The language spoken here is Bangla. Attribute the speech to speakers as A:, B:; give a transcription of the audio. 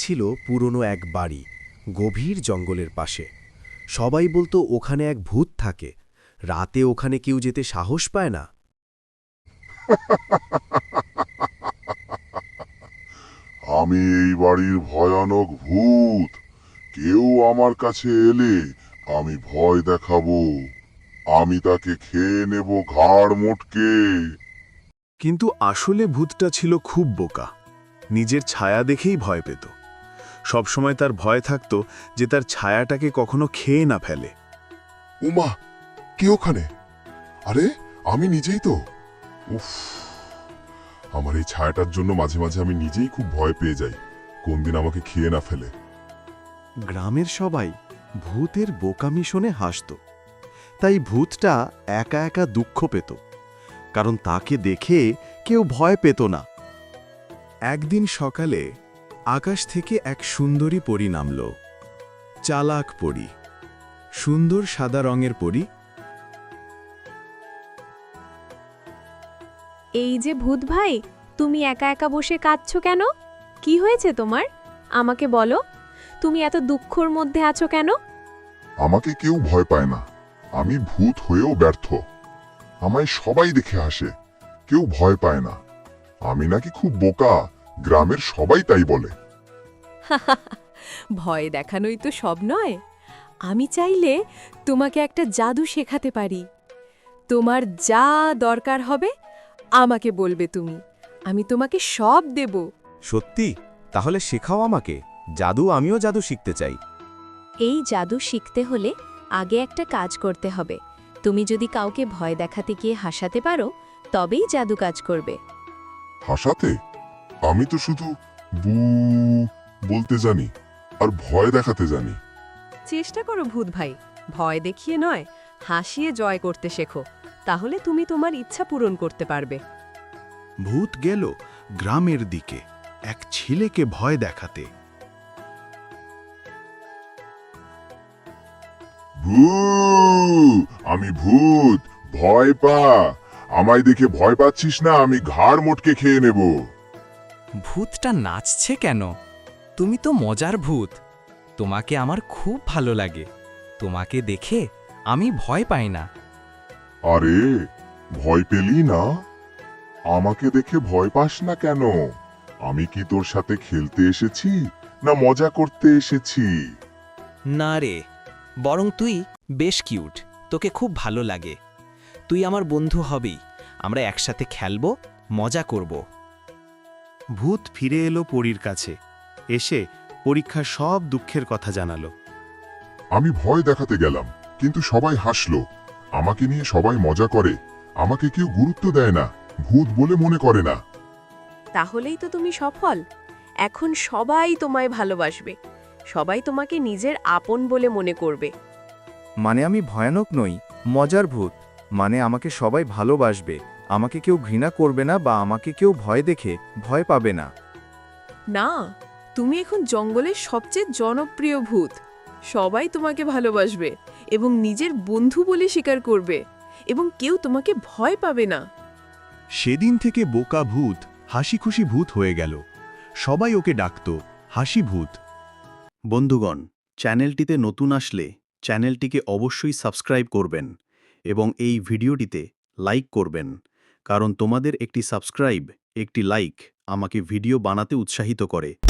A: ছিল পুরনো এক বাড়ি, গভীর জঙ্গলের পাশে। সবাই বলতো ওখানে এক ভূত থাকে, রাতে ওখানে কেউ যেতে সাহস পায় না।
B: আমি এই বাড়ির ভয়ানক ভূত। কেউ আমার কাছে এলে আমি ভয় দেখাবো। আমি তাকে খেয়ে নেব ঘাড় মোটকে।
C: কিন্তু আসলে ভূতটা ছিল খুব বোকা। নিজের ছায়া দেখেই ভয় পেত। সবসময় তার ভয় থাকত যে তার ছায়াটাকে কখনো খেয়ে না ফেলে।
B: উমা, কে ওখানে? আরে আমি নিজেই তো। উফ, আমার এই ছায়াটার জন্য মাঝে মাঝে আমি নিজেই খুব ভয় পেয়ে যাই, কোন দিন আমাকে খেয়ে না ফেলে।
A: গ্রামের সবাই ভূতের বোকামি শুনে হাসত। তাই ভূতটা একা একা দুঃখ পেত, কারণ তাকে দেখে কেউ ভয় পেত না।
C: একদিন সকালে আকাশ থেকে এক সুন্দরী পরী নামল। চালাক পরী, সুন্দর সাদা রঙের পরী।
D: এই যে ভূত ভাই, তুমি একা একা বসে কাঁদছো কেন? কি হয়েছে তোমার? আমাকে বলো, তুমি এত দুঃখর মধ্যে আছো কেন?
B: আমাকে কেউ ভয় পায় না, আমি ভূত হয়েও ব্যর্থ। আমায় সবাই দেখে হাসে, কেউ ভয় পায় না। আমি নাকি খুব বোকা, গ্রামের সবাই তাই বলে।
D: ভয় দেখানোই তো সব নয়। আমি চাইলে তোমাকে একটা জাদু শেখাতে পারি। তোমার যা দরকার হবে আমাকে বলবে তুমি, আমি তোমাকে সব দেব।
A: সত্যি? তাহলে শেখাও আমাকে, আমিও জাদু শিখতে চাই।
D: এই জাদু শিখতে হলে আগে একটা কাজ করতে হবে। তুমি যদি কাউকে ভয় দেখাতে গিয়ে হাসাতে পারো, তবেই জাদু কাজ করবে।
B: হাসাতে? আমি তো শুধু বু বলতে জানি, আর ভয় দেখাতে জানি।
E: চেষ্টা করো ভূত ভাই, ভয় দেখিয়ে নয়, হাসিয়ে জয় করতে শেখো। তাহলে তুমি তোমার ইচ্ছা পূরণ করতে পারবে।
C: ভূত গেল গ্রামের দিকে এক ছেলেকে ভয় দেখাতে।
B: ভূ, আমি ভূত, ভয় পা। আমায় দেখে ভয় পাচ্ছিস না? আমি ঘাড় মোটকে খেয়ে নেব।
F: ভূতটা নাচছে কেন? তুমি তো মজার ভূত। তোমাকে আমার খুব ভালো লাগে। তোমাকে দেখে আমি ভয় পাই না।
B: আরে, ভয় পেলি না? আমাকে দেখে ভয় পাস না কেন? আমি কি তোর সাথে খেলতে এসেছি, না মজা করতে এসেছি?
F: না রে, বরং তুই বেশ কিউট। তোকে খুব ভালো লাগে। তুই আমার বন্ধু হবি। আমরা একসাথে খেলবো, মজা করব।
C: ভূত ফিরে এলো পরীর কাছে, এসে পরীক্ষার সব দুঃখের কথা জানালো।
B: আমি ভয় দেখাতে গেলাম, কিন্তু সবাই হাসলো। আমাকে নিয়ে সবাই মজা করে, আমাকে কেউ গুরুত্ব দেয় না, ভূত বলে মনে করে না।
E: তাহলেই তো তুমি সফল। এখন সবাই তোমায় ভালোবাসবে, সবাই তোমাকে নিজের আপন বলে মনে করবে।
A: মানে আমি ভয়ানক নই, মজার ভূত। মানে আমাকে সবাই ভালোবাসবে, আমাকে কেউ ঘৃণা করবে না, বা আমাকে কেউ ভয় দেখে ভয় পাবে না।
E: না, তুমি এখন জঙ্গলের সবচেয়ে জনপ্রিয় ভূত। সবাই তোমাকে ভালোবাসবে এবং নিজের বন্ধু বলে স্বীকার করবে, এবং কেউ তোমাকে ভয় পাবে না।
C: সেদিন থেকে বোকা ভূত হাসি খুশি ভূত হয়ে গেল। সবাই ওকে ডাকত হাসি ভূত। বন্ধুগণ, চ্যানেলটিতে নতুন আসলে চ্যানেলটিকে অবশ্যই সাবস্ক্রাইব করবেন এবং এই ভিডিওটিতে লাইক করবেন, কারণ তোমাদের একটি সাবস্ক্রাইব, একটি লাইক আমাকে ভিডিও বানাতে উৎসাহিত করে।